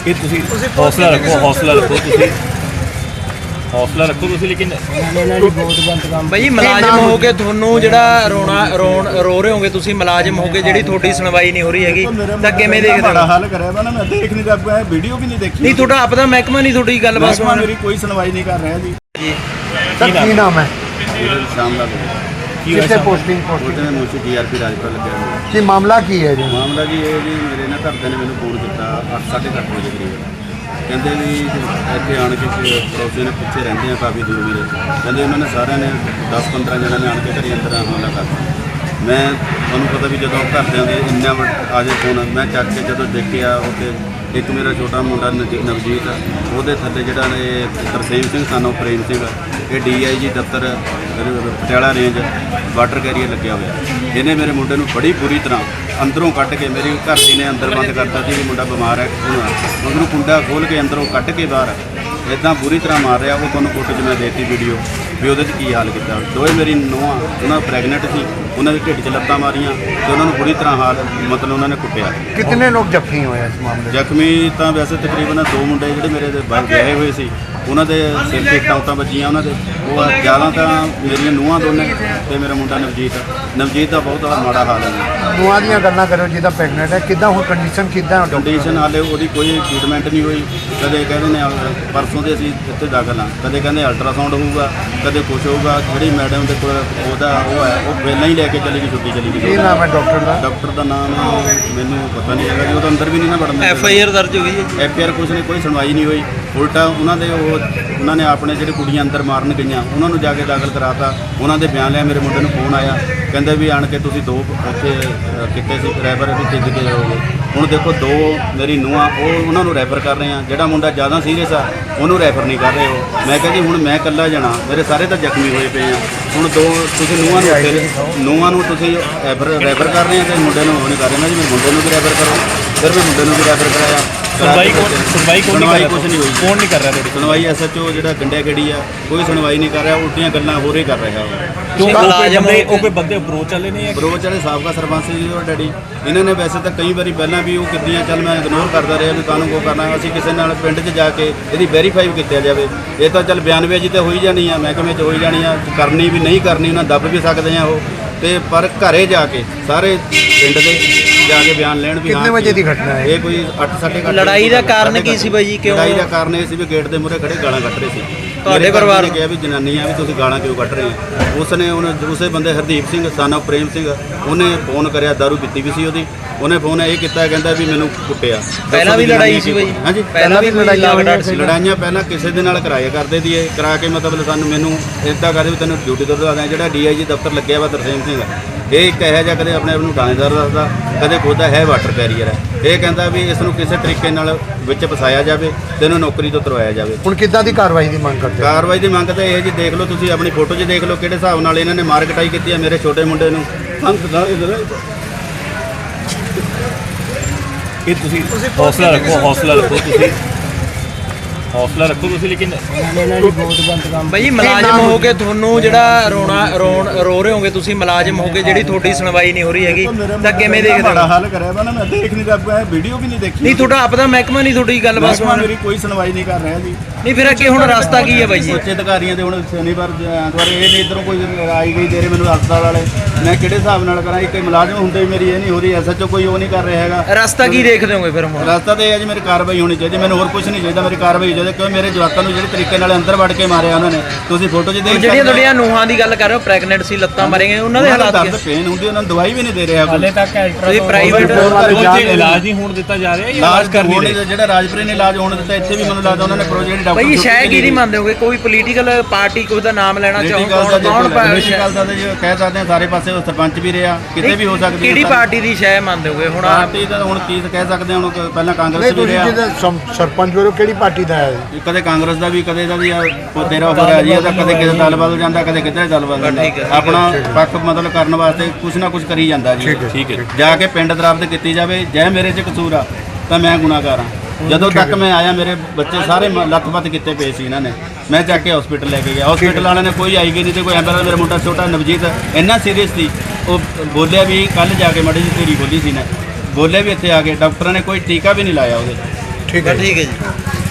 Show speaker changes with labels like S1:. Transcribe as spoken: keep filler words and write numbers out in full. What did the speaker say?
S1: ਇਹ ਤੁਸੀਂ ਹੌਸਲਾ ਰੱਖੋ ਹੌਸਲਾ ਰੱਖੋ ਤੁਸੀਂ ਹੌਸਲਾ ਰੱਖੋ ਤੁਸੀਂ ਲੇਕਿਨ
S2: ਭਾਈ ਮੁਲਾਜ਼ਮ ਹੋ ਕੇ ਤੁਹਾਨੂੰ ਜਿਹੜਾ ਰੋਣਾ ਰੋਣ ਰੋ ਰਹੇ ਹੋਗੇ ਤੁਸੀਂ ਮੁਲਾਜ਼ਮ ਹੋ ਕੇ ਜਿਹੜੀ ਤੁਹਾਡੀ ਸੁਣਵਾਈ ਨਹੀਂ ਹੋ ਰਹੀ ਹੈਗੀ ਤਾਂ ਕਿਵੇਂ ਦੇਖਦੇ ਹੋ?
S3: ਬੜਾ ਹਾਲ ਕਰਿਆ ਵਾ ਨਾ, ਮੈਂ ਦੇਖ ਨਹੀਂ ਰਿਹਾ, ਵੀਡੀਓ ਵੀ ਨਹੀਂ ਦੇਖੀ।
S2: ਨਹੀਂ ਤੁਹਾਡਾ ਆਪਦਾ ਮਹਿਕਮਾ ਨਹੀਂ ਤੁਹਾਡੀ ਗੱਲਬਾਤ ਸੁਣ
S3: ਮੇਰੀ ਕੋਈ ਸੁਣਵਾਈ ਨਹੀਂ ਕਰ ਰਿਹਾ ਜੀ।
S4: ਸਰ ਕੀ ਨਾਮ ਹੈ?
S3: ਸ਼ਾਮ ਦਾ
S4: ਕਿੱਥੇ ਪੋਸਟਿੰਗ ਪੋਸਟਿੰਗ
S3: ਉਹਦੇ ਮੁੱਛ ਡੀਆਰਪੀ ਰਾਜਪੁਰ ਲੱਗਿਆ ਹੋਇਆ।
S4: ਕੀ ਮਾਮਲਾ ਕੀ ਹੈ ਜੀ?
S3: ਮਾਮਲਾ ਜੀ ਇਹ ਜੀ ਮੇਰੇ ਨਾ ਘਰਦਿਆਂ ਨੇ ਮੈਨੂੰ ਫੋਨ ਕੀਤਾ ਅੱਠ ਸਾਢੇ ਅੱਠ ਵਜੇ ਕਰੀਬ, ਕਹਿੰਦੇ ਵੀ ਇੱਥੇ ਆਣ ਕੇ ਪੜੋਸੀ ਨੇ ਪਿੱਛੇ ਰਹਿੰਦੇ ਆ ਕਾਫੀ ਦੂਰ ਮੇਰੇ, ਕਹਿੰਦੇ ਉਹਨਾਂ ਨੇ ਸਾਰਿਆਂ ਨੇ ਦਸ ਪੰਦਰਾਂ ਜਣਿਆਂ ਨੇ ਆਣ ਕੇ ਘਰੇ ਅੰਦਰ ਹਮਲਾ ਕਰਤਾ। ਮੈਂ ਤੁਹਾਨੂੰ ਪਤਾ ਵੀ ਜਦੋਂ ਘਰਦਿਆਂ ਦੇ ਇੰਨਾ ਆ ਜੇ ਫੋਨ, ਮੈਂ ਚੱਕ ਕੇ ਜਦੋਂ ਦੇਖਿਆ ਉੱਥੇ ਇੱਕ ਮੇਰਾ ਛੋਟਾ ਮੁੰਡਾ ਨਵ- ਨਵਜੀਤ ਉਹਦੇ ਥੱਲੇ ਜਿਹੜਾ ਨੇ ਤਰਸੇਮ ਸਿੰਘ ਸਾਨੂੰ ਪ੍ਰੇਮ ਸਿੰਘ, ਇਹ ਡੀ ਆਈ ਜੀ ਦਫ਼ਤਰ ਪਟਿਆਲਾ ਰੇਂਜ ਵਾਟਰ ਕੈਰੀਅਰ ਲੱਗਿਆ ਹੋਇਆ। ਇਹਨੇ ਮੇਰੇ ਮੁੰਡੇ ਨੂੰ ਬੜੀ ਬੁਰੀ ਤਰ੍ਹਾਂ ਅੰਦਰੋਂ ਕੱਢ ਕੇ, ਮੇਰੀ ਘਰ ਦੀ ਨੇ ਅੰਦਰ ਬੰਦ ਕਰਤਾ ਸੀ ਵੀ ਮੁੰਡਾ ਬਿਮਾਰ ਹੈ, ਉਹਨੂੰ ਕੁੰਡਾ ਖੋਲ੍ਹ ਕੇ ਅੰਦਰੋਂ ਕੱਢ ਕੇ ਬਾਹਰ ਇੱਦਾਂ ਬੁਰੀ ਤਰ੍ਹਾਂ ਮਾਰ ਰਿਹਾ। ਉਹ ਤੁਹਾਨੂੰ ਫੋਟੋ 'ਚ ਮੈਂ ਦੇਤੀ ਵੀਡੀਓ ਵੀ ਉਹਦੇ 'ਚ ਕੀ ਹਾਲ ਕੀਤਾ। ਦੋਵੇਂ ਮੇਰੀ ਨੂੰਹਾਂ ਉਹਨਾਂ ਪ੍ਰੈਗਨੈਂਟ ਸੀ, ਉਹਨਾਂ ਦੇ ਢਿੱਡ 'ਚ ਲੱਤਾਂ ਮਾਰੀਆਂ ਤੇ ਉਹਨਾਂ ਨੂੰ ਬੁਰੀ ਤਰ੍ਹਾਂ ਹਾਲ ਮਤਲਬ ਉਹਨਾਂ ਨੇ ਕੁੱਟਿਆ।
S4: ਕਿੰਨੇ ਲੋਕ ਜ਼ਖਮੀ ਹੋਏ ਇਸ ਮਾਮਲੇ 'ਚ?
S3: ਜ਼ਖਮੀ ਤਾਂ ਵੈਸੇ ਤਕਰੀਬਨ ਦੋ ਮੁੰਡੇ ਜਿਹੜੇ ਮੇਰੇ ਦੇ ਬਾਹਰ ਗਏ ਹੋਏ ਸੀ, ਉਹਨਾਂ ਦੇ ਸਿਰ 'ਤੇ ਟਾਂਟਾਂ ਵੱਜੀਆਂ ਉਹਨਾਂ ਦੇ। ਉਹ ਜ਼ਿਆਦਾ ਤਾਂ ਮੇਰੀਆਂ ਨੂੰਹਾਂ ਦੋਨੇ ਤੇ ਮੇਰਾ ਮੁੰਡਾ ਨਵਜੀਤ ਨਵਜੀਤ ਦਾ ਬਹੁਤ ਮਾੜਾ ਹਾਲ ਹੈ ਜੀ।
S4: ਨੂੰਹਾਂ ਦੀਆਂ ਗੱਲਾਂ ਕਰੋ, ਜਿਹਦਾ ਪ੍ਰੈਗਨੈਂਟ ਹੈ, ਕਿੱਦਾਂ ਹੁਣ ਕੰਡੀਸ਼ਨ ਕਿੱਦਾਂ ਹੈ?
S3: ਕੰਡੀਸ਼ਨ ਹਾਲੇ ਉਹਦੀ ਕੋਈ ਟ੍ਰੀਟਮੈਂਟ ਨਹੀਂ ਹੋਈ। ਕਦੇ ਕਹਿੰਦੇ ਨੇ ਪਰਸੋਂ ਦੇ ਅਸੀਂ ਇੱਥੇ ਦਾਖਲ ਹਾਂ, ਕਦੇ ਕਹਿੰਦੇ ਅਲਟਰਾਸਾਊਂਡ ਹੋਊਗਾ, ਕਦੇ ਕੁਛ ਹੋਊਗਾ। ਜਿਹੜੀ ਮੈਡਮ ਦੇ ਕੋਲ ਉਹਦਾ ਉਹ ਹੈ ਉਹ ਪਹਿਲਾਂ ਹੀ ਲੈ ਕੇ ਚਲੀ ਗਈ, ਛੁੱਟੀ ਚਲੀ ਗਈ।
S4: ਕੀ ਨਾਮ ਹੈ ਡਾਕਟਰ ਦਾ?
S3: ਡਾਕਟਰ ਦਾ ਨਾਮ ਮੈਨੂੰ ਪਤਾ ਨਹੀਂ ਹੈਗਾ ਜੀ, ਉਹ ਤਾਂ ਅੰਦਰ ਵੀ ਨਹੀਂ ਨਾ ਵੜਨ ਦਿੰਦੇ।
S2: ਐਫ ਆਈ ਆਰ ਦਰਜ ਹੋਈ ਹੈ?
S3: ਐਫ ਆਈ ਆਰ ਕੁਛ ਨਹੀਂ, ਕੋਈ ਸੁਣਵਾਈ ਨਹੀਂ ਹੋਈ। ਉਲਟਾ ਉਹਨਾਂ ਦੇ ਉਹ ਉਹਨਾਂ ਨੇ ਆਪਣੇ ਜਿਹੜੇ ਕੁੜੀਆਂ ਅੰਦਰ ਮਾਰਨ ਗਈਆਂ ਉਹਨਾਂ ਨੂੰ ਜਾ ਕੇ ਦਾਖਲ ਕਰਾਤਾ। ਉਹਨਾਂ ਦੇ ਬਿਆਨ ਲਿਆ, ਮੇਰੇ ਮੁੰਡੇ ਨੂੰ ਫੋਨ ਆਇਆ, ਕਹਿੰਦੇ ਵੀ ਆਣ ਕੇ ਤੁਸੀਂ ਦੋ ਉੱਥੇ ਕਿਤੇ ਸੀ ਰੈਫਰ ਵੀ ਤੀਜ ਕੇ ਜਾਓਗੇ। ਹੁਣ ਦੇਖੋ ਦੋ ਮੇਰੀ ਨੂੰਹਾਂ ਉਹ ਉਹਨਾਂ ਨੂੰ ਰੈਫਰ ਕਰ ਰਹੇ ਆ, ਜਿਹੜਾ ਮੁੰਡਾ ਜ਼ਿਆਦਾ ਸੀਰੀਅਸ ਆ ਉਹਨੂੰ ਰੈਫਰ ਨਹੀਂ ਕਰ ਰਹੇ ਹੋ। ਮੈਂ ਕਿਹਾ ਜੀ ਹੁਣ ਮੈਂ ਇਕੱਲਾ ਜਾਣਾ, ਮੇਰੇ ਸਾਰੇ ਤਾਂ ਜ਼ਖਮੀ ਹੋਏ ਪਏ ਆ। ਹੁਣ ਦੋ ਤੁਸੀਂ ਨੂੰਹਾਂ ਨੂੰ ਫਿਰ ਨੂੰਹਾਂ ਨੂੰ ਤੁਸੀਂ ਰੈਫਰ ਰੈਫਰ ਕਰ ਰਹੇ ਆ ਤੇ ਮੁੰਡੇ ਨੂੰ ਉਹ ਨਹੀਂ ਕਰ ਰਹੇ। ਮੈਂ ਜੀ ਮੇਰੇ ਮੁੰਡੇ ਨੂੰ ਵੀ ਰੈਫਰ ਕਰੋ, ਫਿਰ ਮੈਂ ਮੁੰਡੇ ਨੂੰ ਵੀ ਰੈਫਰ ਕਰਾਇਆ।
S1: ਸੁਣਵਾਈ ਕੋਣ ਸੁਣਵਾਈ ਕੋਣ ਨਹੀਂ ਕਰ ਰਿਹਾ?
S3: ਕੁਛ ਨਹੀਂ ਹੋਈ।
S1: ਕੌਣ ਨਹੀਂ ਕਰ ਰਿਹਾ ਤੁਹਾਡੀ
S3: ਸੁਣਵਾਈ? ਐਸ ਐਚ ਓ ਜਿਹੜਾ ਗੰਡਿਆ ਗੜੀ ਆ, ਕੋਈ ਸੁਣਵਾਈ ਨਹੀਂ ਕਰ ਰਿਹਾ, ਉਲਟੀਆਂ ਗੱਲਾਂ ਹੋਰ ਹੀ ਕਰ ਰਿਹਾ ਉਹ।
S1: ਕਿਉਂ ਮੁਲਾਜ਼ਮ ਉਹ ਕੋਈ ਬੰਦੇ ਅਪਰੋਚ ਵਾਲੇ ਨੇ?
S3: ਬਰੋਚ ਵਾਲੇ ਸਾਬਕਾ ਸਰਪੰਚ ਜੀ ਉਹ ਡੈਡੀ, ਇਹਨਾਂ ਨੇ ਵੈਸੇ ਤਾਂ ਕਈ ਵਾਰੀ ਪਹਿਲਾਂ ਵੀ ਉਹ ਕੀਤੀਆਂ, ਚੱਲ ਮੈਂ ਇਗਨੋਰ ਕਰਦਾ ਰਿਹਾ ਵੀ ਕਾਹਨੂੰ ਕੋ ਕਰਨਾ। ਅਸੀਂ ਕਿਸੇ ਨਾਲ ਪਿੰਡ 'ਚ ਜਾ ਕੇ ਇਹਦੀ ਵੈਰੀਫਾਈ ਕੀਤਾ ਜਾਵੇ। ਇਹ ਤਾਂ ਚੱਲ ਬਿਆਨਬਾਜ਼ੀ ਤੇ ਹੋਈ ਜਾਣੀ ਆ, ਮਹਿਕਮੇ 'ਚ ਹੋਈ ਜਾਣੀ ਆ, ਕਰਨੀ ਵੀ ਨਹੀਂ ਕਰਨੀ ਉਹਨਾਂ ਦੱਬ ਵੀ ਸਕਦੇ ਆ ਉਹ ਤੇ, ਪਰ ਘਰੇ ਜਾ ਕੇ ਸਾਰੇ ਪਿੰਡ ਦੇ ਜਾ ਕੇ ਬਿਆਨ ਲੈਣ ਵੀ।
S4: ਕਿੰਨੇ ਵਜੇ ਦੀ ਘਟਨਾ ਹੈ
S3: ਇਹ? ਕੋਈ ਅੱਠ ਸਾਢੇ ਅੱਠ।
S2: ਲੜਾਈ ਦਾ ਕਾਰਨ ਕੀ ਸੀ ਬਾਈ ਜੀ? ਕਿਉਂ
S3: ਲੜਾਈ ਦਾ ਕਾਰਨ ਇਹ ਸੀ ਵੀ ਗੇਟ ਦੇ ਮੂਹਰੇ ਖੜੇ ਗਾਲਾਂ ਕੱਢ ਰਹੇ ਸੀ।
S2: ਤੁਹਾਡੇ ਪਰਿਵਾਰ
S3: ਨੇ ਕਿਹਾ ਵੀ ਜਨਾਨੀਆਂ ਵੀ ਤੁਸੀਂ ਗਾਲਾਂ ਕਿਉਂ ਕੱਢ ਰਹੇ ਹੋ? ਉਸ ਨੇ ਉਹਨੇ ਉਸੇ ਬੰਦੇ ਹਰਦੀਪ ਸਿੰਘ ਸਾਨਾ ਪ੍ਰੇਮ ਸਿੰਘ ਉਹਨੇ ਫੋਨ ਕਰਿਆ, ਦਾਰੂ ਪੀਤੀ ਵੀ ਸੀ ਉਹਦੀ। ਉਹਨੇ ਫੋਨ ਇਹ ਕੀਤਾ, ਕਹਿੰਦਾ ਵੀ ਮੈਨੂੰ ਕੁੱਟਿਆ।
S2: ਪਹਿਲਾਂ ਵੀ ਲੜਾਈ ਸੀ ਬਾਈ?
S3: ਹਾਂਜੀ
S2: ਪਹਿਲਾਂ ਵੀ ਲੜਾਈਆਂ ਸੀ?
S3: ਲੜਾਈਆਂ ਪਹਿਲਾਂ ਕਿਸੇ ਦੇ ਨਾਲ ਕਰਾਇਆ ਕਰਦੇ ਦੀ ਇਹ ਕਰਾ ਕੇ ਮਤਲਬ ਸਾਨੂੰ ਮੈਨੂੰ ਇੱਦਾਂ ਕਰਦੇ ਵੀ ਤੈਨੂੰ ਡਿਊਟੀ ਤੋਂ ਦਵਾ ਦਿਆਂ। ਜਿਹੜਾ ਡੀ ਆਈ ਜੀ ਦਫ਼ਤਰ ਲੱਗਿਆ ਵਾ ਤਰਸੇਮ ਸਿੰਘ, ਇਹ ਇੱਕ ਇਹੋ ਜਿਹਾ ਕਦੇ ਆਪਣੇ ਆਪ ਨੂੰ ਥਾਣੇਦਾਰ ਦੱਸਦਾ, ਕਦੇ ਖੁਦਾ ਹੈ ਵਾਟਰ ਕੈਰੀਅਰ ਹੈ। ਇਹ ਕਹਿੰਦਾ ਵੀ ਇਸ ਨੂੰ ਕਿਸੇ ਤਰੀਕੇ ਨਾਲ ਵਿੱਚ ਫਸਾਇਆ ਜਾਵੇ ਤੇ ਇਹਨੂੰ ਨੌਕਰੀ ਤੋਂ ਤੁਰਵਾਇਆ ਜਾਵੇ।
S4: ਹੁਣ ਕਿੱਦਾਂ ਦੀ ਕਾਰਵਾਈ ਦੀ ਮੰਗ ਕਰਦੇ ਹੋ?
S3: ਕਾਰਵਾਈ ਦੀ ਮੰਗ ਤਾਂ ਇਹ ਜੀ, ਦੇਖ ਲਓ ਤੁਸੀਂ ਆਪਣੀ ਫੋਟੋ 'ਚ ਦੇਖ ਲਓ ਕਿਹੜੇ ਹਿਸਾਬ ਨਾਲ ਇਹਨਾਂ ਨੇ ਮਾਰ ਕਟਾਈ ਕੀਤੀ ਹੈ ਮੇਰੇ ਛੋਟੇ ਮੁੰਡੇ ਨੂੰ।
S1: ਇਹ ਤੁਸੀਂ ਹੌਸਲਾ ਰੱਖੋ ਹੌਸਲਾ ਰੱਖੋ ਤੁਸੀਂ ਹੌਸਲਾ ਰੱਖੋ ਤੁਸੀਂ ਲੇਕਿਨ
S2: ਭਾਈ ਮੁਲਾਜ਼ਮ ਹੋ ਕੇ ਤੁਹਾਨੂੰ ਜਿਹੜਾ ਰੋਣਾ ਰੋਣ ਰੋ ਰਹੇ ਹੋਗੇ ਤੁਸੀਂ ਮੁਲਾਜ਼ਮ ਹੋ ਕੇ ਜਿਹੜੀ ਤੁਹਾਡੀ ਸੁਣਵਾਈ ਨਹੀਂ ਹੋ ਰਹੀ ਹੈਗੀ ਤਾਂ ਕਿਵੇਂ ਦੇਖਦੇ ਹੋ?
S3: ਬੜਾ ਹਾਲ ਕਰਿਆ ਵਾ ਨਾ, ਮੈਂ ਦੇਖ ਨਹੀਂ ਰਿਹਾ, ਵੀਡੀਓ ਵੀ ਨਹੀਂ ਦੇਖੀ।
S2: ਨਹੀਂ ਤੁਹਾਡਾ ਆਪਦਾ ਮਹਿਕਮਾ ਨਹੀਂ ਤੁਹਾਡੀ ਗੱਲਬਾਤ ਸੁਣ?
S3: ਮੇਰੀ ਕੋਈ ਸੁਣਵਾਈ ਨਹੀਂ ਕਰ ਰਿਹਾ ਜੀ।
S2: ਨਹੀਂ ਫਿਰ ਅੱਗੇ ਹੁਣ ਰਸਤਾ ਕੀ ਹੈ ਬਾਈ ਜੀ?
S3: ਉੱਚ ਅਧਿਕਾਰੀਆਂ ਦੇ ਹੁਣ ਸ਼ਨੀਵਾਰ ਐਤਵਾਰ ਇਹ ਨਹੀਂ ਇੱਧਰੋਂ ਕੋਈ ਆਈ ਗਈ ਦੇ ਰਹੇ ਮੈਨੂੰ ਹਸਪਤਾਲ ਵਾਲੇ, ਮੈਂ ਕਿਹੜੇ ਹਿਸਾਬ ਨਾਲ ਕਰਾਂ? ਇੱਕ ਮੁਲਾਜ਼ਮ ਹੁੰਦੇ ਵੀ ਮੇਰੀ ਇਹ ਨਹੀਂ ਹੋ ਰਹੀ, ਐਸ ਐਚ ਓ ਕੋਈ ਉਹ ਨਹੀਂ ਕਰ ਰਿਹਾ ਹੈਗਾ।
S2: ਰਸਤਾ ਕੀ ਦੇਖਦੇ ਹੋਗੇ ਫਿਰ ਹੁਣ?
S3: ਰਸਤਾ ਤਾਂ ਇਹ ਹੈ ਜੀ, ਮੇਰੀ ਕਾਰਵਾਈ ਹੋਣੀ ਚਾਹੀਦੀ, ਮੈਨੂੰ ਹੋਰ ਕੁਝ ਨਹੀਂ ਚਾਹੀਦਾ, ਮੇਰੀ ਕਾਰਵਾਈ ਹੋ ਜਾਵੇ। ਕਿਉਂ ਮੇਰੇ ਜਵਾਕਾਂ ਨੂੰ ਜਿਹੜੇ ਤਰੀਕੇ ਨਾਲ ਅੰਦਰ ਵੜ ਕੇ ਮਾਰਿਆ ਉਹਨਾਂ ਨੇ, ਤੁਸੀਂ ਫੋਟੋ 'ਚ ਦੇਖ
S2: ਜਿਹੜੀਆਂ ਤੁਹਾਡੀਆਂ ਨੂੰਹਾਂ ਦੀ ਗੱਲ ਕਰ ਰਹੇ ਹੋ, ਪ੍ਰੈਗਨੈਂਟ ਸੀ, ਲੱਤਾਂ ਮਾਰੀਆਂ, ਉਹਨਾਂ ਦੇ ਹਾਲਾਤ
S3: ਦਰਦ ਪੇਨ ਹੁੰਦੀ, ਉਹਨਾਂ ਨੂੰ ਦਵਾਈ ਵੀ ਨਹੀਂ ਦੇ ਰਿਹਾ ਹਾਲੇ ਤੱਕ।
S2: ਤੁਸੀਂ ਪ੍ਰਾਈਵੇਟ
S1: ਇਲਾਜ ਨਹੀਂ ਹੋਣ ਦਿੱਤਾ ਜਾ ਰਿਹਾ?
S3: ਇਲਾਜ ਕਰਨੀ ਜਿਹੜਾ ਰਾਜਪੁਰੇ ਨੇ ਇਲਾਜ ਹੋਣ ਦਿੱਤਾ, ਇੱਥੇ ਵੀ ਮੈਨੂੰ ਲੱਗਦਾ ਉਹਨਾਂ ਨੇ ਪ੍ਰੋਜੈਕਟ ਡਾਕਟਰ
S2: ਭਾਈ ਸ਼ਾਇਦ ਕੀ ਨਹੀਂ ਮੰਨਦੇ ਹੋਗੇ? ਕੋਈ ਪੋਲੀਟੀਕਲ ਪਾਰਟੀ ਕੋਈ ਦਾ ਨਾਮ ਲੈਣਾ ਚਾਹੋ, ਕੌਣ ਕੌਣ
S3: ਪੋਲੀਟੀਕਲ ਦਾ ਜੀ ਕਹਿ ਸਕਦੇ ਆ, ਸਾਰੇ ਪਾਸੇ ਸਰਪੰਚ ਵੀ ਰਿਹਾ, ਕਿਤੇ ਵੀ ਹੋ ਸਕਦੀ ਹੈ।
S2: ਕਿਹੜੀ ਪਾਰਟੀ ਦੀ ਸ਼ਾਇਦ ਮੰਨਦੇ ਹੋਗੇ? ਹੁਣ
S3: ਪਾਰਟੀ ਦਾ ਹੁਣ ਕੀ ਕਹਿ ਸਕਦੇ ਹਾਂ, ਹੁਣ ਪਹਿਲਾਂ ਕਾਂਗਰਸ ਵੀ ਰਿਹਾ।
S4: ਸਰਪੰਚ ਵੱਲੋਂ ਕਿਹੜੀ ਪਾਰਟੀ ਦਾ ਹੈ?
S3: ਕਦੇ ਕਾਂਗਰਸ ਦਾ ਵੀ, ਕਦੇ ਦਾ ਵੀ ਤੇਰਾ ਹੋ ਰਿਹਾ ਜੀ ਉਹਦਾ, ਕਦੇ ਕਿਸੇ ਦਲ ਬਦਲ ਜਾਂਦਾ, ਕਦੇ ਕਿਧਰੇ ਦਲ ਬਦਲ ਜਾਂਦਾ। ਆਪਣਾ ਪੱਖ ਮਤਲਬ ਕਰਨ ਵਾਸਤੇ ਕੁਛ ਨਾ ਕੁਛ ਕਰੀ ਜਾਂਦਾ ਜੀ।
S1: ਠੀਕ ਹੈ,
S3: ਜਾ ਕੇ ਪਿੰਡ ਦਰਾਬਤ ਕੀਤੀ ਜਾਵੇ। ਜੇ ਮੇਰੇ 'ਚ ਕਸੂਰ ਆ ਤਾਂ ਮੈਂ ਗੁਨਾਹਗਾਰ ਹਾਂ। ਜਦੋਂ ਤੱਕ ਮੈਂ ਆਇਆ ਮੇਰੇ ਬੱਚੇ ਸਾਰੇ ਲੱਤ-ਪੱਤ ਕੀਤੇ ਪਏ ਸੀ ਇਹਨਾਂ ਨੇ, ਮੈਂ ਚੱਕ ਕੇ ਹਸਪੀਟਲ ਲੈ ਕੇ ਗਿਆ। ਹਸਪੀਟਲ ਵਾਲਿਆਂ ਨੇ ਕੋਈ ਆਈ ਗਈ ਨਹੀਂ ਤੇ ਕੋਈ ਐਂਬੂਲੈਂਸ। ਮੇਰਾ ਮੁੰਡਾ ਛੋਟਾ ਨਵਜੀਤ ਇੰਨਾ ਸੀਰੀਅਸ ਸੀ, ਉਹ ਬੋਲਿਆ ਵੀ ਕੱਲ ਜਾ ਕੇ ਮਾੜੀ ਜਿਹੀ ਢੇਰੀ ਖੋਲੀ ਸੀ ਨਾ, ਬੋਲਿਆ ਵੀ ਇੱਥੇ ਆ ਕੇ ਡਾਕਟਰਾਂ ਨੇ ਕੋਈ ਟੀਕਾ ਵੀ ਨਹੀਂ ਲਾਇਆ ਉਹਦੇ।
S4: ਠੀਕ ਹੈ
S2: ਬਸ ਠੀਕ ਹੈ ਜੀ।